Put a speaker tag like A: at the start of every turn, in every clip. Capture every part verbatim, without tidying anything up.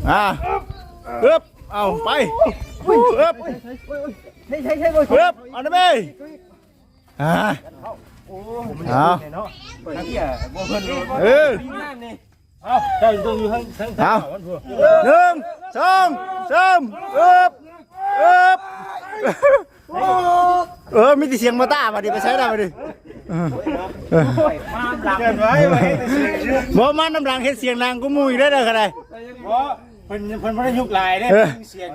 A: อ่าเอ๊บเอาไปเอ๊บ
B: ใช่ใช่ใช่บ่
A: เอ๊บเอาได้ไหมอ่าเอาเออ
C: เอาเจ้าต้องอยู่ทั้งทั้ง
A: เอาหนึ่งสองสามเอ๊บเอ๊บเออมีแต่เสียงมาต้ามาดิไปใช้ได้มาดิ
C: เกินไว้ไว้
A: บ่มันน้ำรังเฮ็ดเสียงดังก็มุ้ยได้เลยกันเลย
C: เพราะเพิ่นเพิ่นบ่ได้ยุกลายเด้เสียง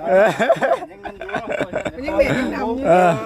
C: มันยังเบ็ดยังดำ
A: เออ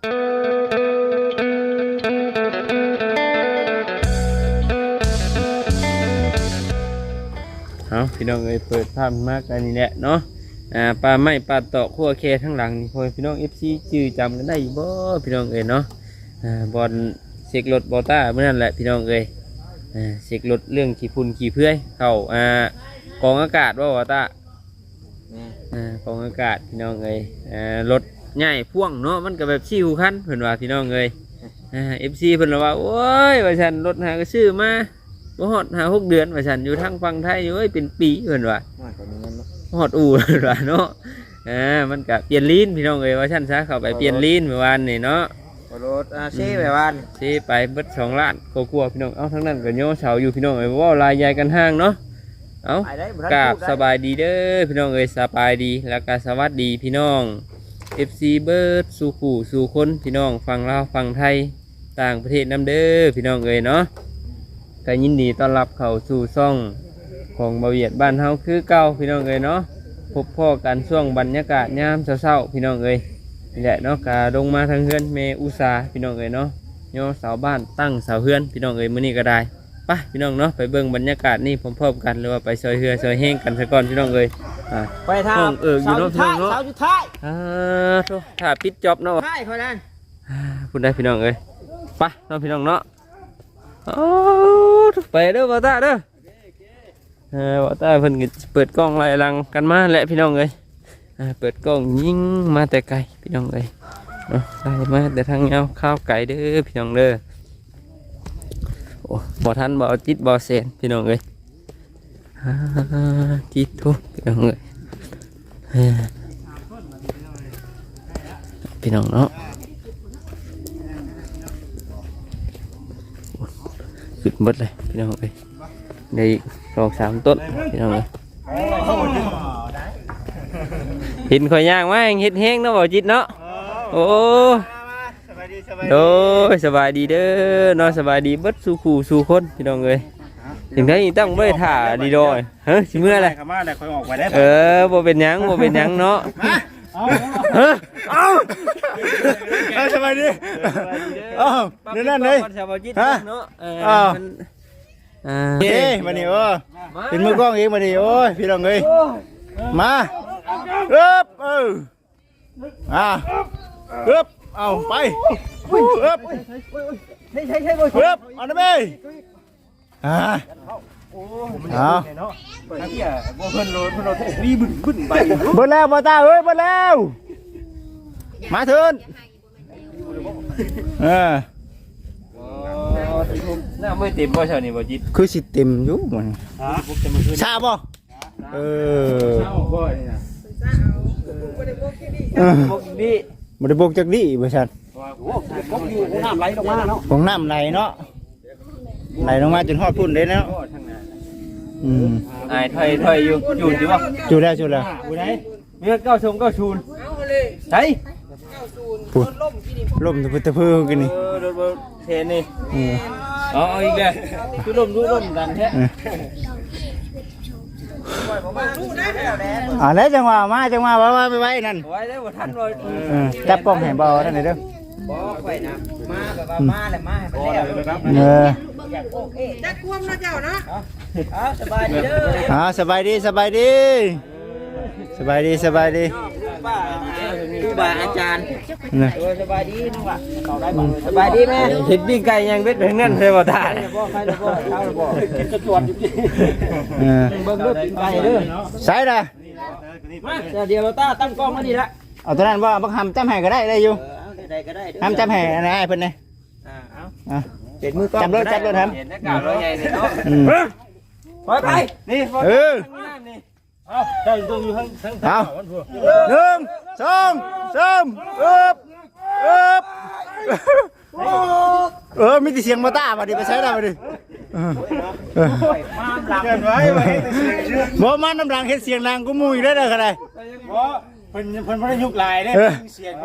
A: เอาพี่น้องเอ้ยเปิดภาพมากอันนี้แหละเนาะอ่าปลาไม้ปลาตอกขั้วแคทั้งหลังนี่พอพี่น้อง เอฟ ซี จื้อจำกันได้อยู่บ่พี่น้องเอ้ยเนาะอ่าบอลเสกรถบอต้าเมื่อนั้นแหละพี่น้องเอ้ยอ่าเสกรถเรื่องขี่พุ่นขี่เพื่อยเข้าอ่ากองอากาศว่าบอต้าอ่ากองอากาศพี่น้องเอ้ยอ่ารถใหญ่พ่วงเนาะมันก็แบบชิวคันเพิ่นว่าพี่น้องเอ้ยอ่า เอฟ ซี เพิ่นว่าโอ้ยว่าฉันรถหาก็ซื้อมาบ่ฮอดหาหกเดือนว่าฉันอยู่ทางฝั่งไทยอยู่เอ้ยเป็นปีเพิ่นว่าฮอดอู่เพิ่นว่าเนาะอ่ามันก็เปลี่ยนลิ้นพี่น้องเอ้ยว่าฉันซะเข้าไปเปลี่ยนลิ้นเมื่อวานนี่เนาะ
B: รถอาซีแบบว่า
A: ซีไปเบิดสองล้านกลัวพี่น้องเอาทั้งนั้นก็โยเสาอยู่พี่น้องเอ้ยว่าลายใหญ่กันห้างเนาะเอากราบสบายดีเด้อพี่น้องเอ้ยสบายดีแล้วก็สวัสดีพี่น้อง เอฟ ซี เบิร์ดสู่ขู่สู่คนพี่น้องฝั่งลาวฝั่งไทยต่างประเทศน้ำเด้อพี่น้องเอ้ยเนาะก็ยินดีต้อนรับเข้าสู่ช่องของบ่าวเวียดบ้านเฮาคือเก่าพี่น้องเอ้ยเนาะพบพ่อกันช่วงบรรยากาศยามเช้าๆพี่น้องเอ้ยนี่แหละเนาะกาลงมาทางเฮือนเมอุสาพี่น้องเอ้ยเนาะย่อเสาบ้านตั้งเสาเฮือนพี่น้องเอ้ยมื้อนี้ก็ได้ไปพี่น้องเนาะไปเบิ่งบรรยากาศนี่พร้อมๆกันหรือว่าไปซอยเฮือซอยแห้งกันซะก่อนพี่น้องเอ้ยอ่า
B: ไปทาง
A: เอออยู่เนาะพี่น้องเนาะ
B: เสาสุดท้าย
A: อ่าโธ่ถ้าปิดจ็อบเนาะ
B: ใช่พอนั้น
A: พูดได้พี่น้องเอ้ยไปน้องพี่น้องเนาะโอ้ไปเด้อบ่าวตาเด้อเออบ่าวตาเพิ่นก็เปิดกล้องไล่ลังกันมาแหละพี่น้องเอ้ยอ่าเปิดกล้องยิงมาแต่ไกลพี่น้องเอ้ยเนาะไล่มาแต่ทางเงาข้าวไก่เด้อพี่น้องเด้อโอ้บ่ทันบ่จิตบ่เสนพี่น้องเอ้ยอ่าจิตทุกพี่น้องเอ้ยพี่น้องเนาะขึ้นหมดเลยพี่น้องเอ้ยในสองสามต้นพี่น้องเอ้ยเห็นข่อยย่างมาเห็ดแห้งเนาะบ่จิตเนาะโอ้โดยสบายดีเด้อเนาะสบายดีเบิดสู่ขู่สู่คนพี่น้องเอ้ยถึงได้ตั้งไม่ได้ถ่าดีดอยเฮ้ยสิเมื่อไรเออบ่เป็นยังบ่เป็นยังเนาะเออเอาเอาสบายดีเอาเดี๋ยวนั่นเลยฮะเอาเฮ้ยมาดิโอ้เป็นมือกล้องเองมาดิโอ้ยพี่น้องเอ้ยมาเอ๊บเอออ่าเอ๊บเอาไปเอ๊บ
B: ใช่ใช่ใช่บ่
A: เอ๊บเอาได้ไหมอ่าเอาเบิดแล้วบ่ตาเอ้ยเบิดแล้วมาเถินเออน่าไม่เต็มบ่เช้านี่บ่จิตคือสิเต็มอยู่มันชาบ่เออเออบ่ได้บกจักดิบ่ซั่นของน้ำไหลลงมาเนาะของน้ำไหลเนาะไหลลงมาจนฮอดพุ่นเด้เนาะอืมไอ้ถอยถอยอยู่อยู่อยู่บ่อยู่แล้วอยู่แล้วอยู่ไหนมีเก้าชมเก้าชูนใช่ปุ่นล่มตะพื้นตะพื้นกันนี่เออรถเทนนี่อ๋อเอาอีกแล้วทุล่มทุล่มดันแท้อ่าแล้วจังหวะมาจังหวะว่าว่าไปไว้นั่นไว้แล้วบ่ทันเลยจับกล้องแห่งเบานั่นเลยเด้อบ่ค่อยนะมาแบบว่ามาแล้วมาให้ไปแล้วเออจักควมนะเจ้านะอ๋อสบายดีเด้ออ๋อสบายดีสบายดีสบายดีสบายดีครูบาอาจารย์สบายดีน้องว่ะสบายดีแม่เห็ดปิ้งไก่ยังเบ็ดถึงนั่นเลยบ่ทานบ่ใครบ่เช้าบ่กินกระจวดอยู่ดิเออเบิ่งรถไก่เด้อใส่ละมาเดี๋ยวเราต้าตั้งกล้องมาดีละเอาตัวนั้นว่าบักหำจำแห่ก็ได้ได้อยู่ได้ก็ได้หำจำแห่นะไอ้เพิ่นนี่อ่าเอาเจ็ดมือกล้องจับรถจับรถทำเห็นหน้ากากรถใหญ่เนี่ยเนาะไปไปนี่เออเ
C: เอาเจ้าต้องอยู่ทั้งทั้ง
A: เอาหนึ่งสองสามเอิบเอิบเออมีแต่เสียงมาต้ามาดิไปใช้ได้มาดิ
B: มาหลัง
C: เกินไว้ไว้เสียงชื่อ
A: บ่มันน้ำรังเฮ็ดเสียงดังกูมุ้ยได้เลยกันเลย
C: เพราะเพิ่นเพิ่นไม่ได้ยุกลายได้เสียง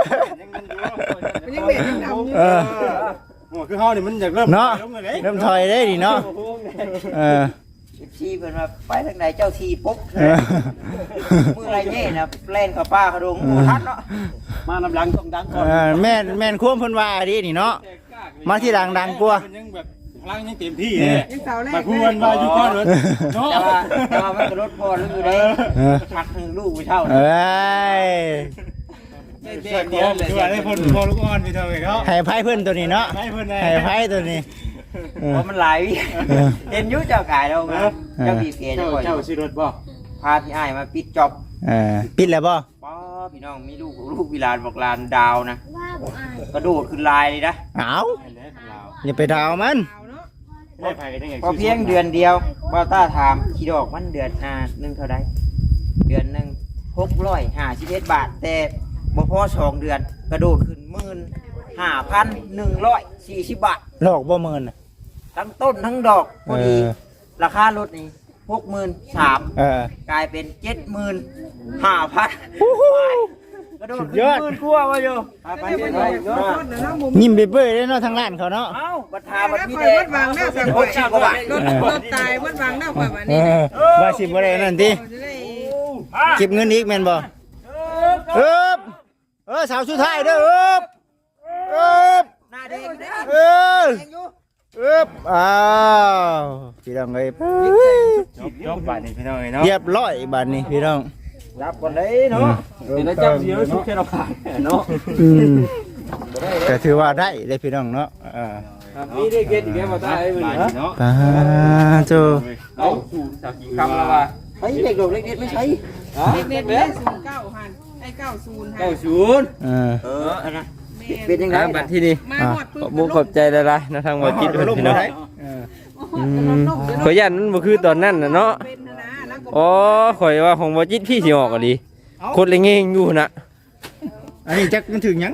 C: ยังมันอยู่
B: มันยังเหม็นยังดำอยู่
A: เออ
C: โอ้คือเฮานี่มันอยากเริ่ม
A: เนาะเริ่มถอยได้ดิเนาะเออ
B: ชีเพิ่นมาไปทางไหนเจ้าทีปุ๊บ
A: เออ
B: มือไรเงี้ยนะเล่นกับป้ากระดงหมูทัดเนาะ
C: มาลำหลังต้องดังก่อน
A: เออแม่นแม่นควมเพิ่นว่าดินี่เนาะมาที่ดังดังกว่า
C: ยังแบบพลังยังเต็มที่เลยมาพูดว่าอยู่ก่อนเลยเนาะ
B: แต่ว่าแต่ว่ามันกระโดดพอแล้วอยู่ได้
A: เออ
B: ชักหนึ่งลูกไปเท่า
A: เอ้ย
C: เดียวเดียวคือว่าได้พ่นพอลูกอ่อนไปเท่าไหร่เนาะ
A: ให้ไพ่เพิ่นตัวนี้เนาะ
C: ให้เพิ่นได้
A: ให้ไพ่ตัวนี้เออ
B: เพราะมันหลายวิเห็นยุ่เจ้ากายเราเจ้าพี่เพีย
C: เจ้า
B: เจ้า
C: เจ้าสิรถบ่
B: พาพี่ไอ้มาปิดจ็อบ
A: เออปิดแล้วบ่
B: ป้าพี่น้องมีลูกลูกวิลานบอกลานดาวนะกระโดดขึ้นลายเลยนะ
A: เอาอย่าไปดาวมัน
C: ได้ไผได้ไง
B: พอเพียงเดือนเดียวป้าต้าถามขีดอกมันเดือนอ่าหนึ่งเท่าไรเดือนหนึ่งหกร้อยห้าสิบเอ็ดบาทแต่บ่พอสองเดือนกระโดดขึ้นหมื่นห้าพันหนึ่งร้อยสี่สิบบาท
A: หลอกบ่เมินน่ะ
B: ทั้งต้นทั้งดอกพอดี
A: เออ
B: ราคารถนี่หกหมื่นสาม
A: เออก
B: ลายเป็นเจ็ดหมื่นห้าพันกระโดดขึ้นหมื่นกลัววะโยไปไปไป
A: ยิ้มเบ้ยๆเลยเนาะทางร้านเขาเนาะ
B: เอ้าบัตรทาบัตรมี
D: ค
B: แด
D: อย
B: ง
D: วัดวางหน้าสัง
B: ห
D: ค
B: กสิบกว่าบาท
D: รถรถตายวัดวางหน้าคอยวัน
A: เอ
D: นี้
A: อว่าสิบ่ได้นั่นติ
D: จะได้
A: เก็บเงินอีกแม่นบ่เอิบเออสาวสุดท้ายเด้อเอิบเอิบ
B: หน้าแดงแดง
A: เออเอิบอ้าวพี่น้องเอ้ย
C: จบบ้านนี่พี่น้องเนาะ
A: เรียบร้อยบัดนี้พี่น้อง
B: รับก่อนเลยเนาะเดี๋ยวเจ้าเสียชุดแค่เราขาดเนาะ
A: อืมก็ถือว่าได้เลยพี่น้องเนาะอ่า
B: นี่ได้เก็ตอีกแล้วมาตายเลยเนาะ
A: ปาโจ
B: เอาสู่จากกี่คำแล้วว่าเฮ้ยเด็กดกเล็กเด็ดไม่ใช่
D: เด็กเด็กได้ศูนย์เก้าหันไอ้เก้าศูนย์หัน
B: เก้าศูนย์
A: เออ
B: เอออันนั้นเป็นยังไงบัตรที่นี่
D: มาหอดปืน
E: มุกขอบใจหลายๆนะทางบ่จิตเพิ่นพี่น้อง
A: เออ
E: อืมขอยยันมันบ่คือตอนนั้นน่ะเนาะ
D: เป็นนะแล้วก็
E: อ๋อข่อยว่าของบ่จิตพี่สิออกก็ดีโคตรเลยเงงอยู่น่ะ
A: อันนี้จักมันถึงหยัง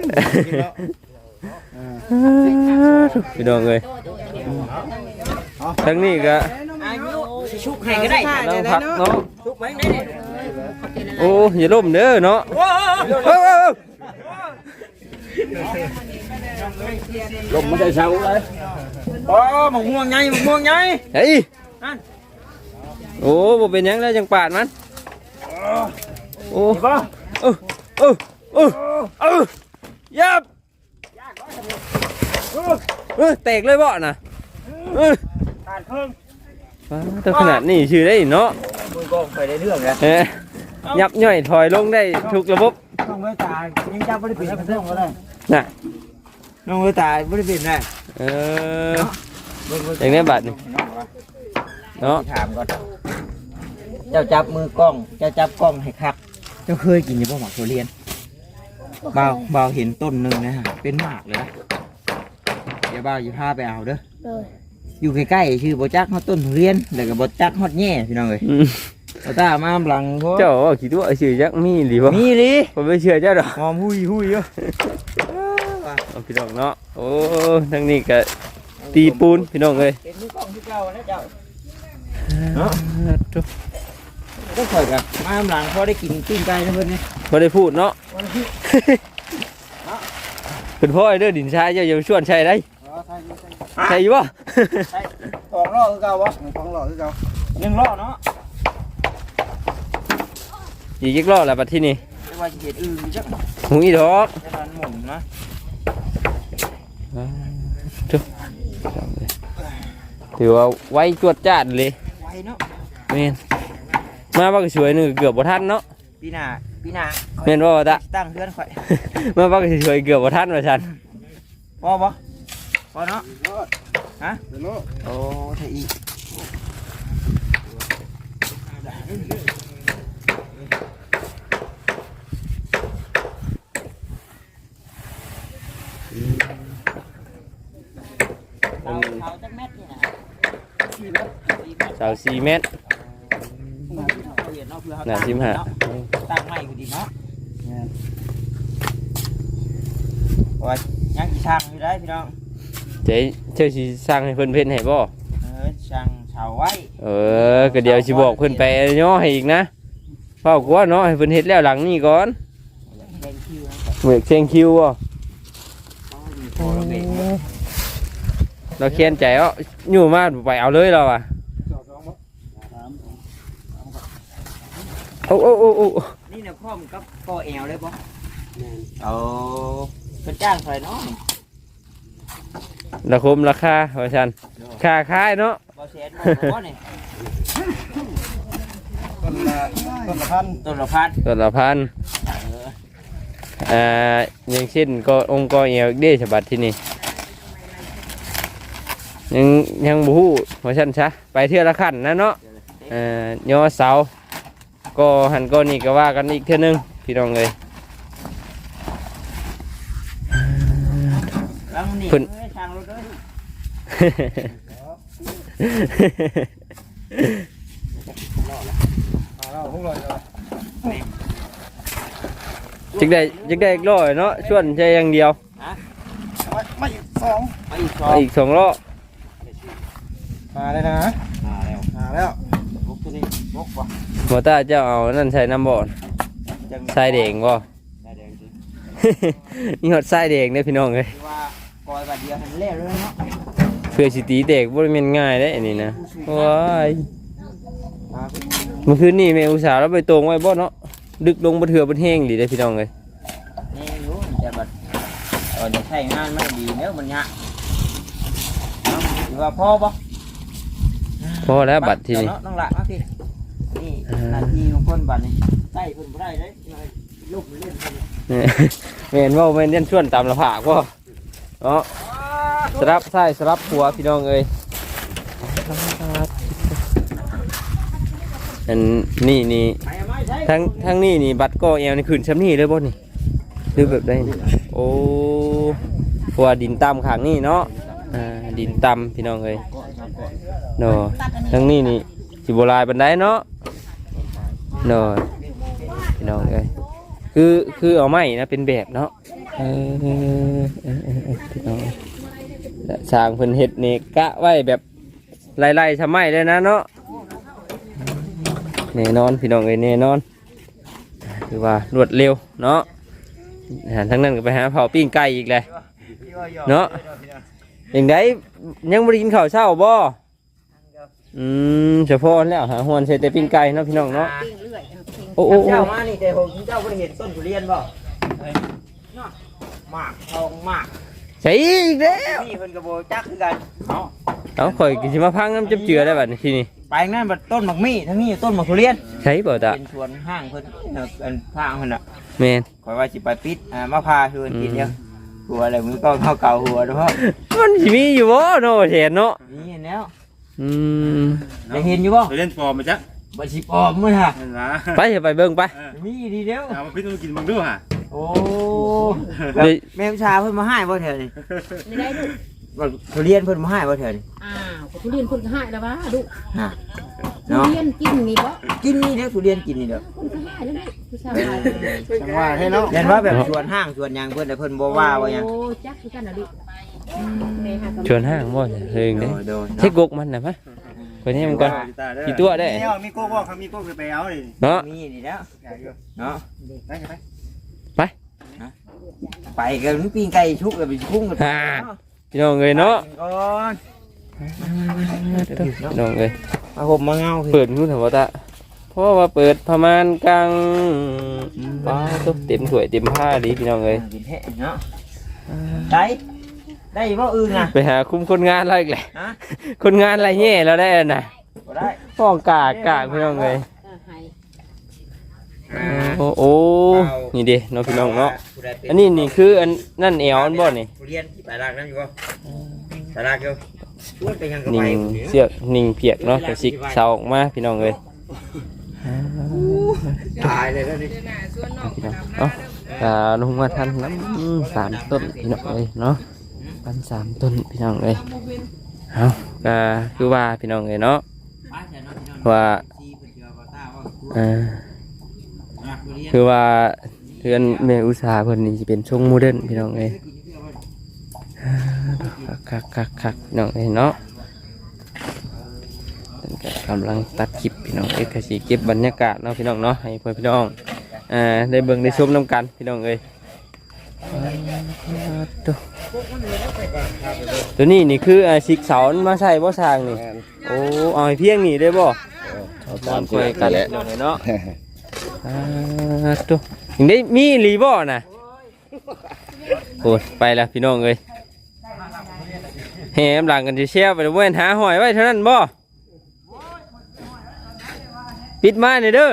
E: พี่น้องเอ้ยทั้งนี้ก็
B: อายุสิชุกให้ก็ได้
E: นั่งพักเนาะ
B: ชุกไหมได้เนี่ย
E: โอ้อย่าล้มเด้อเนาะเอ้า
B: ลมมันจะเช้าเลยโอ้หมกม่วงไงหมกม่วงไง
E: ๆเฮ้ยโอ้บ่เป็นหยังแล้วจังปาดมันโอ้เออเออเออเออยับเออแตกเลยบ่น่ะเออ
B: ขาดเครื่อง
E: ตัวขนาดนี้ชื่อได้เนาะ
B: มือก็ไปได้เรื่องแล้ว
E: เอ้ยยับย่อยถอยลงได้ทุกระบบ
B: น้องเวตายังจับไม่ได้ปิดเครื่องก็ได้
E: น่ะ
B: น้องเวตาไม่ได้ปิดนะ
E: เอออย่างนี้บัดนี่เนาะ
B: ถามก่อนเจ้าจับมือกล้องเจ้าจับกล้องให้คักเจ้าเคยกินยังบ่หมากทุเรียนเบาเบาเห็นต้นหนึ่งนะฮะเป็นหมากเลยนะเดี๋ยวเบาอยู่พาไปเอาเด้ออยู่ใกล้ๆชื่อบ่จักฮอดต้นทุเรียนแล้วก็บ่จักฮอดแง่พี่น้องเอ้ย
E: อืม
B: เอาตามาหลังพวก
E: เจ้าว่าคิดว่าชื่อจักมีหรือบ่
B: มีลิ
E: ผมไม่เชื่อเจ้าดอก
B: หอมหุยหุยอยู่
E: เอาพี่น้องเนาะโอ้ทางนี้ก็ตีปูนพี่น้องเอ้ย
B: เป็นมือกล้องที่เก่านะเจ้า
E: เนาะ
B: ก็ข่อยกับมาหลังพอได้กินปิ้งไก่นะเพิ่นนี่
E: บ่ได้พูดเนาะเป็นพ่อไอ้เด้อดินชายเจ้าอย่าชวนใช่ได้ใช่อยู่บ่
B: ของล่อคือเก่าวะของล่อคือเก่ายังล่อเนาะ
E: อีกอีกรอบแล้วบัดที่นี่
B: แต่ว่าสิเฮ็ดอื่นจัก
E: หูอีดอก
B: แต่มันหมุนนะ
E: ถือว่าไว้จวดจ้านเลย
B: ไวเนาะ
E: แม่นมาบักสวยหนึงเกือบบ่ทันเนาะ
B: ปีหน้าปีหน้า
E: แม่นบ่ว่าตะ
B: ตั้งเพื่อนข่อย
E: มาบักสวยเกือบบ่ทันว่าซั่น
B: พอบ่พอเนาะฮะโอ้ไทยอีก
E: สาวสี่เมตร
B: เวียนเนาะเพื่อเขา
E: น่าสิบห้า
B: ตั้งไม้คือดีเนาะโอ้ยยังอีช่างอยู่ได้พี่น้อง
E: เจ๊เจ้าสิสร้างให้เพิ่นเพิ่นให้บ่
B: เออช่างเสาไว้
E: เออก็เดี๋ยวสิบอกเพิ่นไปย่อให้อีกนะเฝ้ากลัวเนาะให้เพิ่นเฮ็ดแล้วหลังนี้ก่อน
B: แดงคิวนะ
E: เหมือกเชียงคิวบ่
B: โอ้ย
E: เราเคียนใจเอ้าอยู่มาไปเอาเลยเราอ่ะโอ้โอ้โอ้โอ้
B: นี่เนี่ยพ่อมนกับกอแอลเลยป่ะเอาเป็นจ้างใส่เนาะ
E: ราคมราคาว่าซั่นค่าขายเนาะ
B: บ่แสนบ่บ่เนี่ย
A: ต้นละต้นละพัน
B: ต้นละพัน
E: ต้นละพัน
B: เออ
E: อ่าอย่างเช่นก็องค์กรเอวเด้ฉบับที่นี่ยังยังบฮูว่าฉันซะไปเที่ยวละขั้นนะเนาะเอ่อย่อเสาก็หันก็นี่ก็ว่ากันอีกเท่านึงพี่น้องเลย
B: แล้วนี่
E: เพิ่น
B: เอ้ยช่างรถเลย
A: มาแล้วพวกเราจะ
E: จึกได้จึกได้อีกร้อยเนาะชวนใจอย่างเดียว
A: ไม่ไม่อีกสอง
B: มาอีกสอ
E: เอา
B: ง
E: อีกสองล้อ
A: มาเลยนะ
B: มาแล้ว
A: มาแล้ว
B: บุกตัวนี้บุกบ่
E: หมอตาเจ้าเอานั่นใส่น้ำบ่อน
B: จัง
E: ใส่แดงบ่
B: ได้แดงสิ
E: นี่หอดใส่แดงเด้อพี่น้องเลย
B: คือว่ากอยบาดเดียวให้มันแล้วเลยเนาะ
E: เพื่อสิตีแตกบ่ได้แม่นง่ายเด้อันนี้นะว้าย
B: มา
E: เมื่อคืนนี้แม่อุตส่าห์เราไปตรงไว้บ่เนาะดึกลงบ่เถื่อบ่แห้งดีเด้อพี่น้องเลย
B: นี่รู้แต่บัดเออจะใช้งานไม่ดีเนื้อมันยากเนาะคือว่าพ่อบ่
E: พอแล้วบัตรที่นี่
B: เนาะน้องหลักมาพี่นี่นาทีของคนบัตรนี่ใต้เพิ่นบ่ได้เลยลูกมันเล่นเพิ่น
E: แม่นว่าแม่นเล่นชวนตามละผากบ่เนาะสลับซ้ายสลับขวาพี่น้องเอ้ยอันนี่นี่
B: ไปเอาไม้ใช้
E: ทั้งทั้งนี่นี่บัตรก็แอวนี่คืนช้ำนี่เลยบ่นี่หรือแบบใดนี่โอ้เพราะว่าดินต่ำข้างนี่เนาะอ่าดินต่ำพี่น้องเอ้ยเนาะทั้งนี้นี่สิบ่ลายปานใดเนาะเนาะพี่น้องเอ้ยคือคือเอาไม้นะเป็นแบบเนาะเออเออเออเออพี่น้องและสร้างเพิ่นเฮ็ดนี่กะไว้แบบไล่ๆชะไม้เลยนะเนาะแน่นอนพี่น้องเอ้ยแน่นอนคือว่ารวดเร็วเนาะอาหารทั้งนั้นก็ไปหาเผาปิ้งไก่อีกเลยเนาะอย่างไดยังบ่ได้กินข้าวเช้าบ่อืมเฉพาะแล้วหาหวนใส่แต่ปิ้งไก่เนาะพี่น้องเนาะโอ้โอ้โอ้
B: เจ้ามานี่แต่ผมเจ้าบ่ได้เห็นต้นทุเรียนบ่เฮ้ยเนาะหมากทองหมาก
E: ใช่อีกแล้ว
B: นี่เพิ่นก็บ่จักคือกันเนาะ
E: เอาข่อยกินสิมาพังน้ำจับเจือได้บัดนี้ทีนี้
B: ไปนั่นบัดต้นหมากมี่ทั้งนี้ต้นหมากทุเรียน
E: ใช่บ่ตา
B: เป็นสวนห้างเพิ่นเนาะเป็นห้างเพิ่นน่ะ
E: แม่น
B: ข่อยว่าสิไปปิดอ่ามาพาชวนกินเดียวหัวอะไรมือก็เข้าเก่าหัวเด้อพ่อ
E: มันสิมีอยู่บ่เนาะแทนเนาะ
B: นี่เห็นแล้ว
E: อืม
B: ได้เห็นอยู่บ่
C: เล่นฟอร์มมาจ้ะ
B: บ่สิปลอมมื้อฮะ
C: นั่นล่ะ
E: ไปเถอะไปเบิ่งไป
B: มีดีเด้อ
C: เอามาพิจารณากินมึงดูฮะ
B: โอ้
E: เดี๋ยว
B: แม่ผู้ชายเพิ่นมาให้บ่แถวนี้
F: ไม่ได้ลูก
B: บ่ทุเรียนเพิ่นมาให้บ่แถวนี้
F: อ้าวทุเรียนคนก็ให้แล้ววะลูก
B: ฮะ
F: ทุ
B: เนาะ
F: เรียนกินนี่บ่
B: กินนี่เด้อทุเรียนกินนี่เด้อ
F: คนก็ให้แล้วลูกผู้ชายให้
A: จังหวะให้เนาะ
B: เห็นว่าแบบสวนห้างสวนหยังเพิ่นแต่เพิ่นบ่ว่าว่าหยัง
F: โอ้จักคือกันน่ะลูกแม่หากับ
E: ชวนห้างบ่เฮิง
B: โด
E: เด้
B: ยโดย
E: เช็คกกมันน่ะมะไปนี่มันก่อนกี่ตัวได้
A: นี่มีโก้ว่าเขามีโก้คือไปเอาเลย
E: เนาะ
B: มีนี่แล้วเนาะ
A: ไปไป
B: ไปกันปิ้งไก่ชุกกันไปพุ่งกัน
E: ฮ่าพี่น้องเอ้ยเนาะ
B: ก่อน
E: พี่น้องเอ้ย
B: มาห่มมาเงา
E: เปิดรู้ถามว่าตาเพราะว่าเปิดประมาณกลางป้าตุ๊เต็มถ้วยเต็มผ้าดีพี่น้องเอ้ย
B: กินแท้เนาะได้ได้บ่อื่นน่ะ
E: ไปหาคุมคนงานอะไรอีกแหละ
B: ฮะ
E: คนงานอะไรแย่แล้วได้น่ะ
B: บ่ได้
E: ห้องกากกากพี่น้องเอ้ย
F: เออให้
E: โอ้โอ้นี่เด้เนาะพี่น้องเนาะอันนี้นี่คืออันนั่นแอวอันบ่นี่
B: ทุเรียนที่ไปลากนั่นอยู่บ่ไปลากอยู่ชวนไปยังกับ
E: นิ่
B: ไป
E: งเสียกนิ่งเพียกเนาะกระสิกเสาออกมาพี่น้องเอ้ย
B: ตายเลยแล้วนี่
F: หน้าสวนนอก
E: พี่น้องเนาะอ่าลงมาทันน้ำสามต้นพี่น้องเอ้ยเนาะพันสามต้นพี่น้องเอ้ยเอาก็คือว่าพี่น้องเอ้ยเนาะว่า
B: ซีเพิ่นเชื่อว่าตาว่า
E: อ่าคือว่าเพื่อนแม่อุตสาหเพิ่นนี่สิเป็นทรงโมเดิร์นพี่น้องเอ้ยคักคักคักพี่น้องเอ้ยเนาะเพิ่นก็กำลังตัดคลิปพี่น้องเอ้ยก็สิเก็บบรรยากาศเนาะพี่น้องเนาะให้เพื่อนพี่น้องอ่าได้เบิ่งได้ชมนํกันพี่น้องเอ้ยตัวตัวนี้นี่คืออ่าสิกเสามาใส่บ่สร้างนี่โอ้เอาให้เพียงนี่ได้บ่เอาตามคุยกันแล้วเนาะอ่าตัวยังได้มีรีบ่น่ะโอ้ยไปแล้วพี่น้องเอ้ยแหมหลังกันสิเชียวไปเว้นหาหอยไว้เท่านั้นบ่ปิดมาหน่อยเด้อ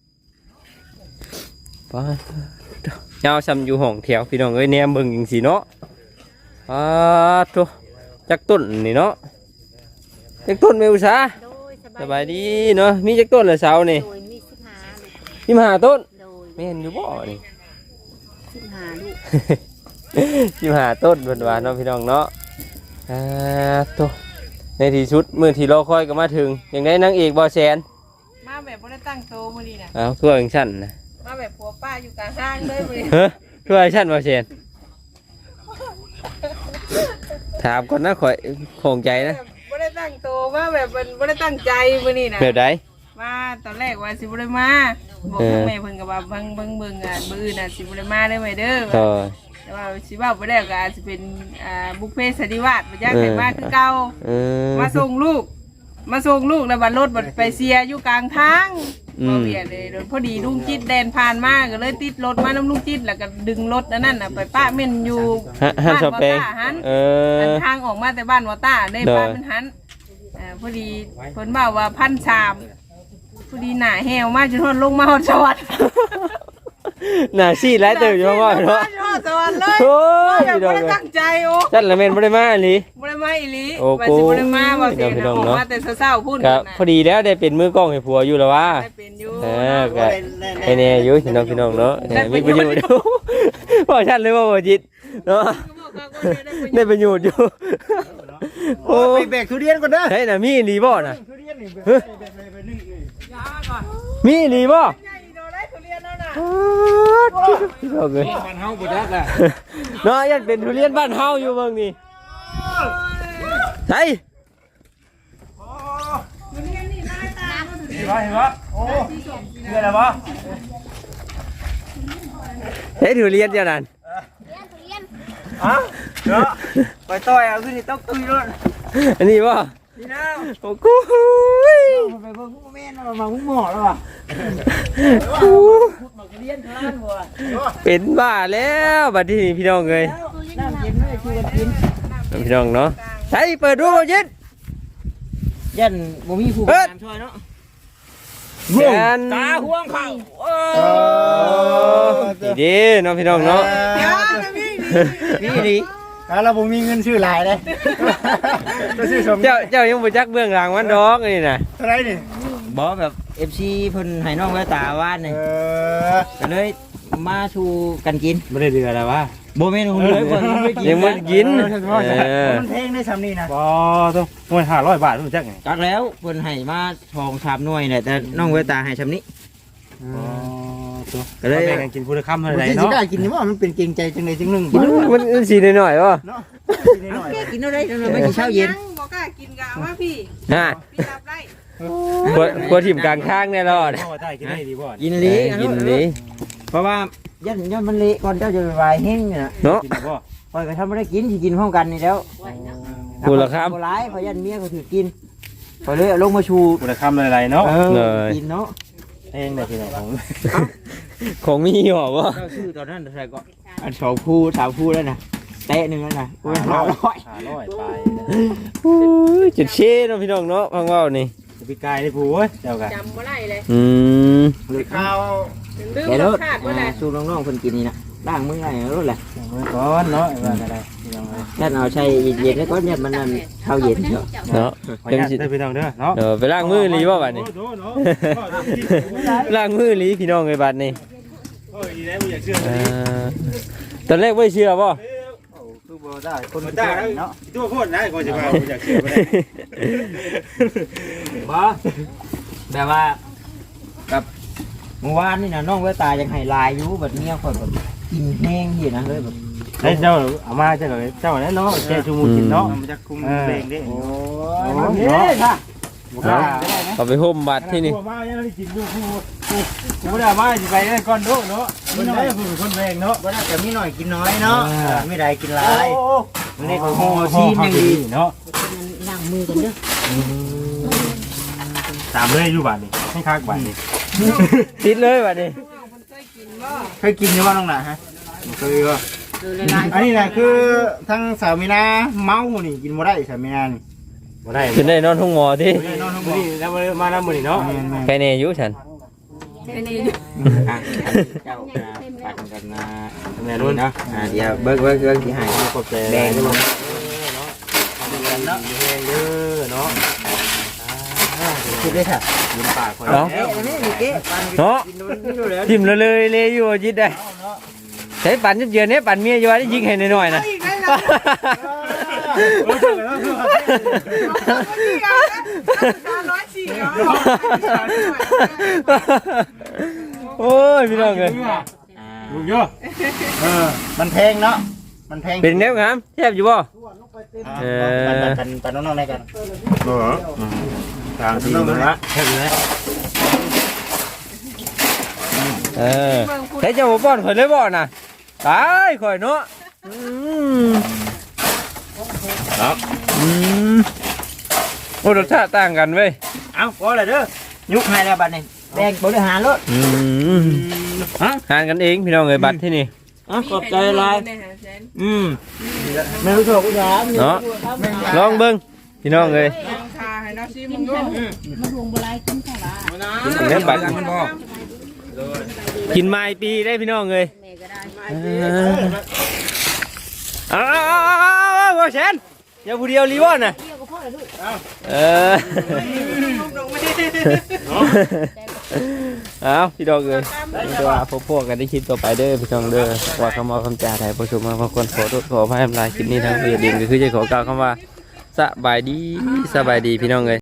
E: ไปเจ้าซ้ำอยู่ห้องแถวพี่น้องเอ้ยแนมเบิ่งจังซี่เนาะอ่าตัวจักต้นนี่เนาะจักต้นแม่อุตสาหสบายดีเนาะมีจักต้นละเสานี่
F: โดยมีสิบห้าลูก
E: สิบห้าต้น
F: โดย
E: แม่นอยู่บ่นี่
F: สิบห้าลูก
E: สิบห้าต้นเพิ่นว่าเนาะพี่น้องเนาะอ่าตัวในที่สุดมื้อที่รอคอยก็มาถึงอย่างได้นางเอกบ่แสน
D: มาแบบบ่ได้ตั้งโตมื้อนี้น่ะ
E: อ้าวคือว่าจังซั่นน่ะ
D: มาแบบผัวป้าอยู่กลางห้างเลยมื้อนี้
E: เฮ้อคือว่าจังซั่นบ่แสนถามก่อนนะข่อยคงใจนะ
D: บ่ได้ตั้งโตมาแบบมันบ่ได้ตั้งใจมื้อนี้น่ะ
E: แบบใด
D: มาตอนแรกว่าสิบ่ได้มาบอกทางแม่เพิ่นก็ว่าเบิ่งเบิ่งเบิ่งอ่ะมื้ออื่นน่ะสิบ่ได้มาเด้อแม่เด้อ
E: ก็
D: แต่ว่าสิเว้าบ่ได้ก็อาจสิเป็นอ่าบุฟเฟ่ต์สันนิวาสบ่อยากให้มาคือเก่า
E: เออ
D: มาส่งลูก มาส่งลูกแล้วบัดรถบัดไปเสียอยู่กลางทางบ่เวียนเลยพอดีลุงจิตแดนผ่านมาก็เลยติดรถมาน้ำลุงจิตแล้วก็ดึงรถอันนั้นน่ะไปป้าเม่นอยู่
E: ฮะฮัน
D: บ้าน
E: ชอป
D: วอ
E: เปง
D: ต้าหัน
E: เอ
D: อัน
E: อ
D: ทางออกมาแต่บ้านวอต้าได้
E: เด้อ
D: ป้าเป็นหันอ่าพอดีเพิ่นบอกว่าพันสามพอดีหน้าแหวมาจนทนลงมาฮอดสวรรค์
E: น่าซีดหลายเติบอยู่ว่าว่าเนาะ
D: ฮอดสวรรค์เลย
E: โอ้ย
D: แบบ
E: พี่น้อง
D: บ่ได้
E: เอ้ย
D: ตั้งใจโอ้
E: จันละแม่นบ่ได้มาอีหลี
D: บ่ได้มาอีหลี
E: โอ้
D: ว่าสิบ่ได้มาบ่เสีย
E: พี่
D: นะ
E: น้อง
D: ออก
E: เนาะ
D: มาแต่เช้าๆพูด
E: ก็
D: นั่น
E: พอดีแล้วได้เป็นมือกล้องให้ผัวอยู่แล้วว่า
D: ได้เป็นอยู่
E: เออก็ให้แน่อยู่พี่น้องพี่น้องเนาะเออมีประโยชน์อยู่บ่ชัดเลยว่าบ่จิตเนาะได้ประโยชน์อยู่โอ้
A: ไปแบกทุเรียนก่อนเด้อ
E: เฮ้ยน่ะมีอีหลีบ่น่ะ
A: ทุเรียนนี่
E: เฮ้ยมีอีหลีบ่
D: ใหญ่โดนได้ทุเรียนแล้วน่ะ
E: พี่น้องเอ้ย
C: บ้านเฮาบ่ได้ล่ะ
E: เนาะยันเป็นทุเรียนบ้านเฮาอยู่เบิ่งนี่ใช่
C: เห็นบ่เห็นบ่โอ้เห็นแล้วบ่
E: เฮ้ยทุเรียนเจ้านั่น
A: ฮะเนาะไปต่อยเอาขึ้นนี่ต้องตุยรถ
E: อันนี้บ่
A: นี่นะ
E: โอ้กู
A: ไปเบิ่งแม่นมาหุ้มหม้อแล้วว่ะ
E: เป็นบ้าแล้วบัดนี้พี่น้องเอ้ย
A: น้ำเย็นไม่ช่วยกันกิน
E: พี่น้องเนาะใช่เปิดดูบ่จิต
A: ยันบ่มีผู้การช่วยเนาะ
E: แสน
C: ตาห่วงเข้า
E: นี่ดีเนาะพี่น้องเนาะ
A: นี่ดิเราบ่มีเงินซื้อหลายเลยจะซื้อสม
E: เจ้าเจ้ายังบ่จักเบื้องหลังมันดอกนี่น่ะ
A: เท่าไหร่นี่
B: บอแบบ เอฟ ซี เพิ่นให้น้องไว้ตาว่านนี่
A: เออ
B: ก็เลยมาชูกันกิน
C: บ่ได้เดือแล้ววะ
B: โบเมนของเลยเพิ่นไม่กิน
E: ยังบ่กินเออ
A: มันแพงได้ซ้ำนี่นะ
C: บ่ต้องหน่วยห้าร้อยบาทรู้จักไง
B: กักแล้วเพิ่นให้มาทองสามหน่วยเนี่ยแต่น้องไว้ตาให้ชำนี้
C: อ๋อตัว
B: ก็เลย
C: แบ่งกันกินผู้ละคำเท่า
A: มัน
C: ไหร่
A: สิ
C: เนาะ
A: ได้กินนี่ว่ามันเป็นเกรงใจจังไดจังหนึง
E: มันมันสีหน่อยๆบ่
A: เนาะนิดหน่อย
B: กินเอาได้เราไม่กินเช้าเย็น
D: บ่กล้ากินกะเอามาพี่
E: ฮะ
D: พี่รับได้
E: กลัวกลัวถิ่มกลางทางแน่รอด
C: พ่อได้กินได้ดีบ่
B: กิน
E: เอ
B: ลี
E: อกินนี้
B: เพราะว่ายันยันมันเละก่อนเจ้าจะวายแห้งเนี่ยนะ
E: เนาะ
C: กินได้บ่
B: คอยก็ทำไม่ได้กินที่กินพร้อมกันนี่แล้ว
E: พูดละครับ
B: โบร้ายเพราะยันเมียก็ถือกินพอเลยเอาลงมาชู
C: ผู้ละคำหลายๆเนาะ
B: เออ
E: เลย
B: กินเนาะ
C: เองได้ที่ไหนของ
E: ของมีหรอวะ
B: เจ้าชื่อตอนนั้นใครก็อันสองคู่สามคู่แล้วนะเตะหนึ่งแล้วนะกูเป็นห้าร้อย
C: ห้าร้อยไป
E: โอ้ยจุดเช่เนาะพี่น้องเนาะพังว่าวนี่
C: พี่กายนี่ผู้เว้ยเจ้ากัน
D: จำบ่ได้เลย
E: อืม
A: ข้าว
D: ลืม
B: เดี๋ยว
D: ร
B: ร
D: ส
B: ถ
D: ชาติบ่ได้
B: สูบน้องๆคนกินนี่นะล้างมืออะไรรถแหละ
C: มือก่อนเนาะว่าอะไรพี่น้องเอ้ย
B: ยันเอาใช้เย็นๆแล้วก็เนี่ยมันนั่นข้าวเย็นเถอะ
E: เนาะ
C: ขออนุญาตได้พี่น้องเด้อเนาะ
E: เออไปล้างมือหลีบ่บัดนี้
C: โอ้โหเนาะ
E: ล้างมือหลีพี่น้องไอ้บัดนี้
C: โอ้ยดีแล้วบ่อยากเชื่อ
E: อ่าตอนแรกไม่เชื่อบ่
A: คือบ่ได้คน
C: คน
A: กิน
C: ตา
A: เนาะ
C: ตัวโคตรนะก่อนจะมาบ่อยากเชื่อบ่ได้
B: บ่แบบว่ากับเมื่อวานนี่นะน้องเวตายังให้ลายอยู่แบบเนี้ยคนแบบกินแห้งอยู่นะเลยแบบ
C: ไอ้เจ้าเอามาเจ้าเลยเจ้าแล้วเนาะแกชูมูกินเนาะ
A: มันจะคุมเพลงดิ
C: โอ้
B: เฮ้ยค่ะ
E: เอาไปห่มบัตรที่นี่
C: มายังได้กินดูผู้ผู้ผู้ได้มาสิไปได้ก่อนโดเนาะมันได้ผู้คนแรงเนาะ
A: บ่ได้แต่มีหน่อยกินน้อยเนาะไม่ได้กินหลาย
C: มันนี่ก็โหชีนยังดีเนาะ
F: ล้างมือกันเด้อ
C: ตามเลยอยู่บ้านนี่ให้คักบ้านนี่
E: ติดเลยบัดนี้
A: เคยกินอยู่บ่น้องน่ะฮะเคยบ่อันนี้น่ะคือทั้งสาวมีนาเมานี่กินบ่ได้สาวมีนานี่
C: บ่ได้
E: ขึ้นได้นอนห้องหมอที่
C: นอนทั้งมื้อนี้แล้วมาแล้วมื้อนี้เนาะ
E: ใครแน่อยู่ฉัน
B: เจ้าปันกันนะแม่รุ่นเนาะอ่าเดี๋ยวเบิ้งเบิ้งเบิ้งที่หายขอบใจแดงเนาะ
C: เนาะเด้อเนาะ
A: คิดได้ค่ะ
C: ยิ้มปากคน
E: เนาะ
A: เอ๊ะอันนี้นี่เก๊ปัน
E: เนาะ
A: กินนู่นนี่แล้ว
E: ทิ่มเลยเลยเลยอยู่จิตได้ใช้ปั่นเยือนเนี่ยปั่นเมียอยู่ว่าได้ยิงให้หน่อยๆนะ โอ้ยพี่น้องเลย
C: ลุงเยอะ
A: เออมันแพงเนาะมันแพง
E: เป็นแนวงามแทบอยู่บ่
A: เออปันปันน้องๆได้กัน
C: เออทางที่มึงละเห็นไหม
E: เออใช้เจ้าบ่ป้อนข่อยเลยบ่น่ะตายข่อยเนาะอืม
C: ครับ
E: อืมโอ้รสชาติต่างกันเว้ย
A: เอาพอเลยเด้อยุกให้แล้วบัดนี้แดงบริหารรถ
E: อืมฮะหารกันเองพี่น้องเอ้ยบัตรที่นี่
B: อ่ะขอบใจลาย
E: อืม
A: ไม่รู้ถูกยาม
E: เนาะลองเบิ่งพี่น้องเอ้ย
F: มาห่วงบ่ไรกินข้าวละ
E: กินเนื้อบัตรกินไม้ปีได้พี่น้องเอ้ย
F: แม่ก็ได้
E: อ้าวว่าแชนอย่าผู้เดียวรีบอนน่ะ
F: เที่ยวกับพ่อเลยลูก
E: เออเอาพี่ดอกเลยตัวพวกพวกกันได้คลิปต่อไปเด้อพี่น้องเด้อว่าคำว่าคำจาไทยผู้ชมมาบางคนขอโทษขออภัยทำลายคลิปนี้ทางเบียดดินก็คือจะขอกล่าวคำว่าสบายดีสบายดีพี่น้องเลย